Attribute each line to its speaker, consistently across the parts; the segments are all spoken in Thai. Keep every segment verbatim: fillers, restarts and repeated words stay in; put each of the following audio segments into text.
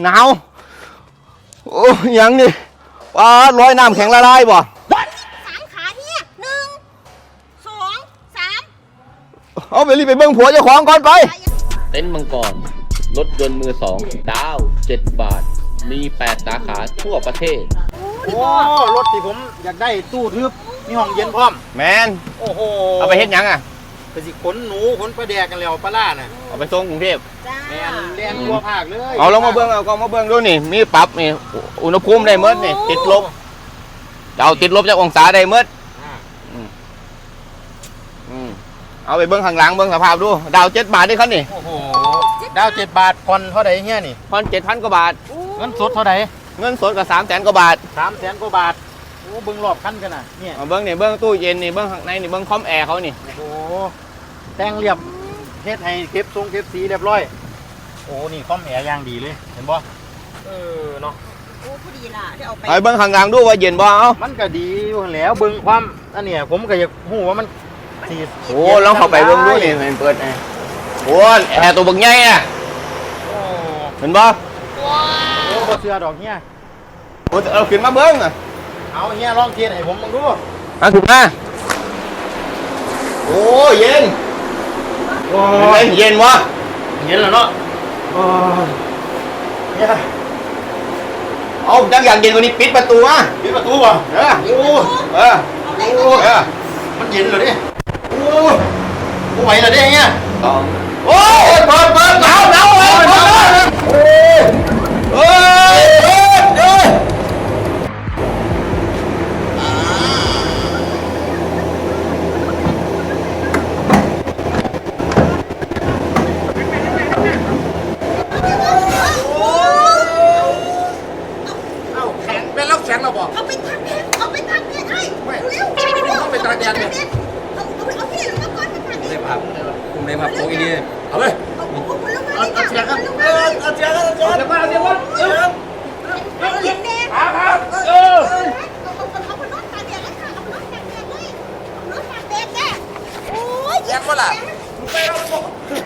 Speaker 1: หนาวโอ้ยังนี่ปลาร้อยน้ำแข็งละลายบ่
Speaker 2: สามขาเนี่ยหนึ่งสองสาม
Speaker 1: เอาไปรีบไปเบิ้งผัวเจ้าของก่อนไป
Speaker 3: เต็นท์มังกรรถยนต์มือสองดาวเจ็ดบาทมีแปดสาขาทั่วประเทศ
Speaker 4: โอ้รถที่ผมอยากได้ตู้ทึบมีห้องเย็นพร้อม
Speaker 1: แมน
Speaker 4: โอ้โห
Speaker 1: เอาไปเฮ็ดยังอ่ะ
Speaker 4: ไปสิขนหนูขนปลาแดกกันแล้วปลาล่าน่ะ
Speaker 1: เอาไปส่งกรุงเทพ
Speaker 4: แมนเรียนทั่วภาคเลย
Speaker 1: เอาลงมาเบิ้งเอาก็มาเบิ้งดูนี่มีปรับนี่อุณหภูมิได้เมื่อนี่ติดลบเอาติดลบจากองศาได้เมื่อเอาไปเบิ้งข้างหลังเบิ้งสภาพดูดาวเจ็ดบาทได้ครับนี่
Speaker 4: โอ้โหดาวเจ็ดบาทผ่อนเท่าไหร่เงี้ยนี่
Speaker 1: ผ่อนเจ็ดพันกว่าบาท
Speaker 4: เงินสดเท่าไหร่
Speaker 1: เงินสดกับสามแสนกว่าบาท
Speaker 4: สามแสนกว่าบาทโอ้เบิ้งรอบคันกันน่ะเนี่ย
Speaker 1: เบิ้งนี่เบิ้งตู้เย็นนี่เบิ้งข้างในนี่เบิ้งคอมแอร์เขานี่
Speaker 4: โอ้แต่งเรียบเฮ็ดให้เก็บทรงเก็บสีเรียบร้อยโอ้นี่คอมแอร์ย่างดีเลยเห็นบ่เออเนาะ
Speaker 2: โอ้พอดีล่ะเดี๋ยวเอาไป
Speaker 1: ไปเบิ้งข้างหลังดูว่าเย็นบ่เอา
Speaker 4: มันก็ดีอยู่แล้วเบิ้งความอันเนี้ยผมก็อยากรู้ว่ามัน
Speaker 1: โอ้ลองเข้าไปเบิ้งดูนี่มันเปิดแอร์โอ้แอร์ตัวบักใหญ่อะเห็นบ่
Speaker 4: โอ้บ่เชื่อดอกเฮีย
Speaker 1: โอ้เอาขึ้นมาเบิ้งอ่ะ
Speaker 4: เอาเฮียลองเทียนให้ผมมึงดู
Speaker 1: มาขึ้นมาโอ้เย็นโอ้ยเย็นวะ
Speaker 4: เย็นแล้วเนาะโอ้เฮีย
Speaker 1: เอาจังอย่างเย็นกว่านี้ปิดประตูอ่ะ
Speaker 4: ปิดประตูป่ะ
Speaker 1: เออโอ้เออโอ้เออ
Speaker 4: มันเย็นเลยดิโอ้โหไหวเลยดิเฮีย
Speaker 1: โอ้ยเปิดเปิดหนาวหนาวเลยเปิดโอ้ยเฮ้ยเฮ้ยเฮ้ย
Speaker 4: เอาแข็งเป็นแล้วแข็งเราบอก
Speaker 2: เอาไปตากแดดเอาไปตากแดดให้เร็ว
Speaker 4: เอาไปตากแดดเนี่ย
Speaker 2: เอาเอาเอาที่ไหนลงมาก่อนไปตากแดด
Speaker 4: ได้ภาพคุณได้ภาพโอ้ยนี่เอาเลย
Speaker 2: เอาเอา
Speaker 4: เอาเสียงครับเออเอาเสียงครับเอาเสียงมาเอาเสียงมาเออ
Speaker 2: เอาเย็นแดด
Speaker 4: ครับครับเออ
Speaker 2: เอาเอาเอาไปนอนตากแดดเลยค่ะเอาไปนอนตากแดดเลยนอนตากแดดแน่โอ้ย
Speaker 4: แข็งวะล่ะไปเราบอก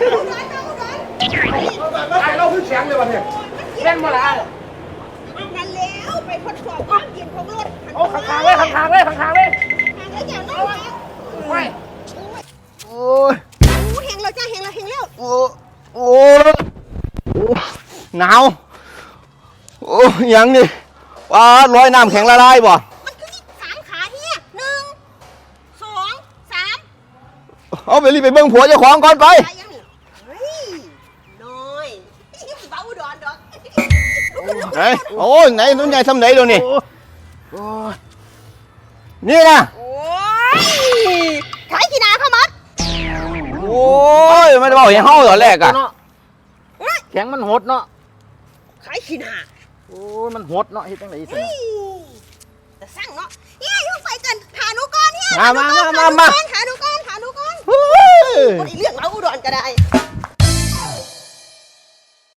Speaker 4: ไอ้เราคือแข็งเลยวะเนี่ยแข็งมาละ
Speaker 2: นั่นแล้วไปทดสอบความเย็นของรถ
Speaker 4: โอ้ขังๆเลยขังๆเลยขังๆเลย
Speaker 2: ขังแล้วอย่าน้อย
Speaker 4: ไป
Speaker 1: โอ้ย
Speaker 2: โอ้เฮงแล้วจ้าเฮงแล้วเฮงแล้ว
Speaker 1: โอ้โอ้หนาวโอ้ยังนี่ปลาร้อยน้ำแข็งละลายบ่
Speaker 2: มันคือสามขาเนี่ยหนึ่งสองสาม
Speaker 1: เอาไปรีบไปเบิ้งผัวเจ้าของก่อนไป
Speaker 2: เฮ้ยน้อยเบาดอนดอก
Speaker 1: ไหนโอ้ยไหนนุ่นใหญ่ทำไหนเดี๋ยวนี้นี่นะ
Speaker 2: โอ้ยขายกีฬาเข้ามัด
Speaker 1: โอ้ยไม่ได้บอกอย่างห้องตอนแรกอะ
Speaker 4: แข็งมันหดเนาะ
Speaker 2: ขายกีฬา
Speaker 4: โอ้ยมันหดเนาะเฮ็ดจังได๋สิ
Speaker 2: แต่สั่งเนาะเฮ้ยอยู่ใส่กันหาหนูก่อนเนี่ย
Speaker 1: มามามามา
Speaker 2: หาหนูก่อนหาหนูก่อนคนอีเรื่องเราอุดรก็ได้